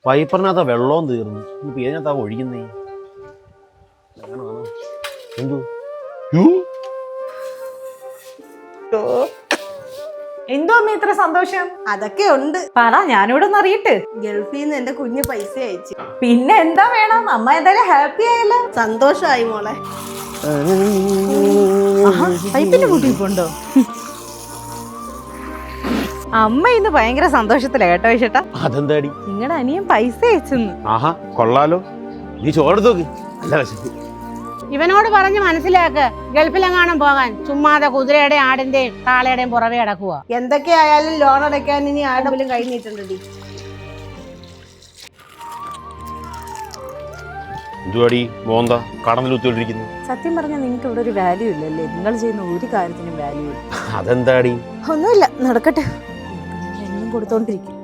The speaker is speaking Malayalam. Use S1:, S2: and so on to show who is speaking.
S1: പൈപ്പറിനകത്ത് വെള്ളവും തീർന്നു. ഇപ്പൊ ഇതിനകത്താ ഒഴിക്കുന്നേ. എന്തു
S2: എന്തോ അമ്മ ഇത്ര സന്തോഷം?
S3: അതൊക്കെ ഉണ്ട്.
S2: പറ, ഞാനിവിടെ ഒന്ന് അറിയട്ടെ.
S3: ഗൾഫിൽ നിന്ന് എന്റെ കുഞ്ഞ് പൈസ അയച്ചു.
S2: പിന്നെ എന്താ വേണം? അമ്മ എന്തായാലും ഹാപ്പി ആയല്ലോ.
S3: സന്തോഷമായി മോളെ.
S2: പൈപ്പിന്റെ കൂട്ടിപ്പോണ്ടോ? അമ്മ ഇന്ന് ഭയങ്കര സന്തോഷത്തിലാ കേട്ടോ ചേട്ടാ.
S1: അതെന്താടി?
S2: നിങ്ങളുടെ അനിയൻ പൈസ അയച്ചെന്ന്.
S1: ആഹാ, കൊള്ളാലോ. നീ ചോറെടുത്തോക്ക്. അല്ല വിശപ്പ്.
S4: ഇവനോട് പറഞ്ഞ് മനസ്സിലാക്ക്, ഗൾഫിലെങ്ങാനും പോകാൻ. ചുമ്മാതെ കുതിരയുടെയും ആടിന്റെയും കാളയുടെയും പുറവെ അടക്കുക.
S3: എന്തൊക്കെ ആയാലും ലോൺ അടയ്ക്കാൻ ഇനി ആരുടെങ്കിലും കൈ നീട്ടണ്ടടി.
S1: എന്തുവാടി മോന്ത കടന്നിലുത്തിരിക്കുന്നു?
S2: സത്യം പറഞ്ഞാൽ നിങ്ങൾക്ക് ഇവിടെ ഒരു വാല്യൂ ഇല്ലല്ലേ? നിങ്ങൾ ചെയ്യുന്ന ഒരു കാര്യത്തിനും വാല്യൂ ഇല്ല.
S1: അതെന്താടി?
S2: ഒന്നുമില്ല, നടക്കട്ടെ. എന്നും കൊടുത്തോണ്ടിരിക്കും.